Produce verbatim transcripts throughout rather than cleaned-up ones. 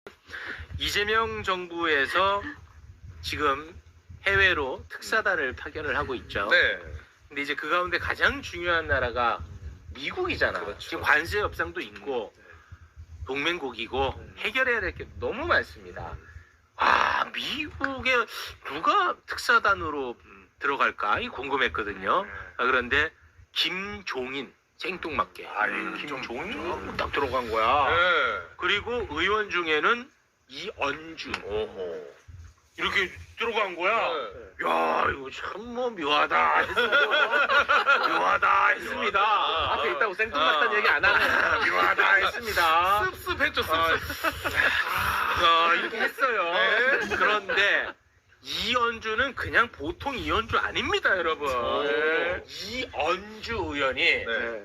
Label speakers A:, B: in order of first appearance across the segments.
A: 이재명 정부에서 지금 해외로 특사단을 파견을 하고 있죠.
B: 네.
A: 근데 이제 그 가운데 가장 중요한 나라가 미국이잖아.
B: 그렇죠.
A: 지금 관세 협상도 있고 동맹국이고 해결해야 될 게 너무 많습니다. 아, 미국에 누가 특사단으로 들어갈까? 이 궁금했거든요. 아, 그런데 김종인 생뚱맞게.
B: 아이,
A: 김종인 딱 들어간 거야.
B: 네.
A: 그리고 의원 중에는 이언주
B: 오호.
A: 이렇게 들어간 거야.
B: 네.
A: 야, 이거 참 뭐 묘하다 했습니다. 묘하다 했습니다.
B: 묘하다.
A: 앞에 있다고 생뚱맞다는
B: 아.
A: 얘기 안 하네. 묘하다 했습니다.
B: 씁씁했죠,
A: 아,
B: 씁씁.
A: 아, 이렇게 했어요.
B: 네.
A: 그런데 이연주는 그냥 보통 이연주 아닙니다, 여러분.
B: 네.
A: 이연주 의원이
B: 네.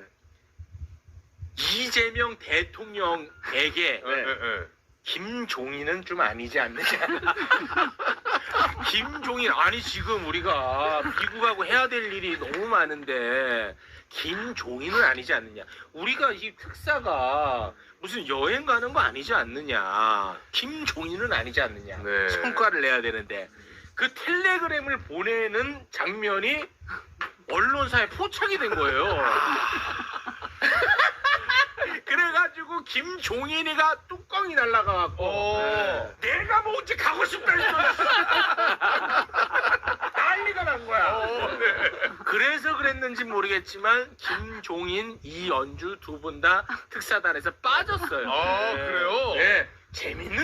A: 이재명 대통령에게
B: 네. 네.
A: 김종인은 좀 아니지 않느냐. 김종인, 아니 지금 우리가 미국하고 해야 될 일이 너무 많은데 김종인은 아니지 않느냐. 우리가 이 특사가 무슨 여행 가는 거 아니지 않느냐. 김종인은 아니지 않느냐.
B: 네.
A: 성과를 내야 되는데 그 텔레그램을 보내는 장면이 언론사에 포착이 된 거예요. 그래가지고 김종인이가 뚜껑이 날라가갖고
B: 오.
A: 내가 뭐 언제 가고 싶다 했어. 난리가 난 거야.
B: 오, 네.
A: 그래서 그랬는지 모르겠지만 김종인, 이연주 두 분 다 특사단에서 빠졌어요.
B: 아, 그래요?
A: 네. 재밌는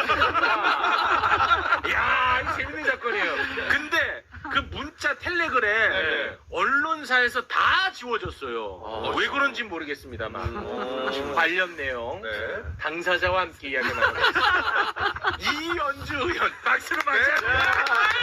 A: 사건이니까. 이야, 이 재밌는 사건이에요. 근데 그 문자 텔레그램
B: 네.
A: 언론사에서 다 지워졌어요.
B: 아,
A: 왜 그런지 모르겠습니다만.
B: 음.
A: 관련 내용
B: 네.
A: 당사자와 함께 이야기 나누겠습니다. 이연주 의원 박수로 맞이합니다.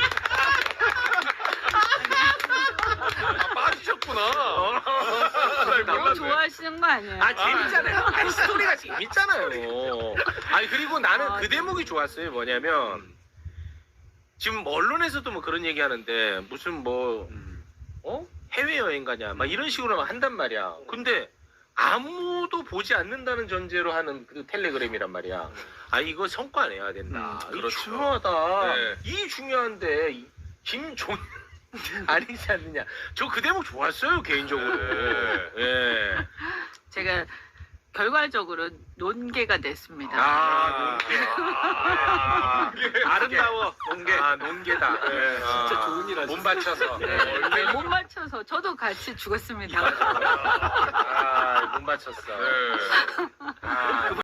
B: 아, 빠지셨구나.
A: 어.
B: 잘
C: 너무
B: 몰랐네.
C: 좋아하시는 거 아니에요?
A: 아, 재밌잖아요. 아니, 스토리가 재밌잖아요. 아니, 그리고 나는
C: 아,
A: 그 대목이 좋았어요. 뭐냐면 지금 언론에서도 뭐 그런 얘기 하는데 무슨 뭐 어? 해외여행 가냐 막 이런 식으로 막 한단 말이야. 근데 아무도 보지 않는다는 전제로 하는 그 텔레그램이란 말이야. 아, 이거 성과 내야 된다.
B: 음,
A: 이거
B: 그렇죠.
A: 중요하다.
B: 네.
A: 이 중요한데 이 김종 아니지 않느냐. 저 그 대목 좋았어요, 개인적으로.
B: 네.
A: 예.
C: 제가 결과적으로 논개가 됐습니다.
A: 아, 논개. 아,
B: 논개.
A: 아름다워, 논개. 아, 논개다. 네.
B: 진짜
A: 좋은 일 하셨어요. 못 맞춰서.
C: 네, 네, 못 맞춰서 저도 같이 죽었습니다.
A: 아, 못 맞췄어.
B: 네.
A: 아,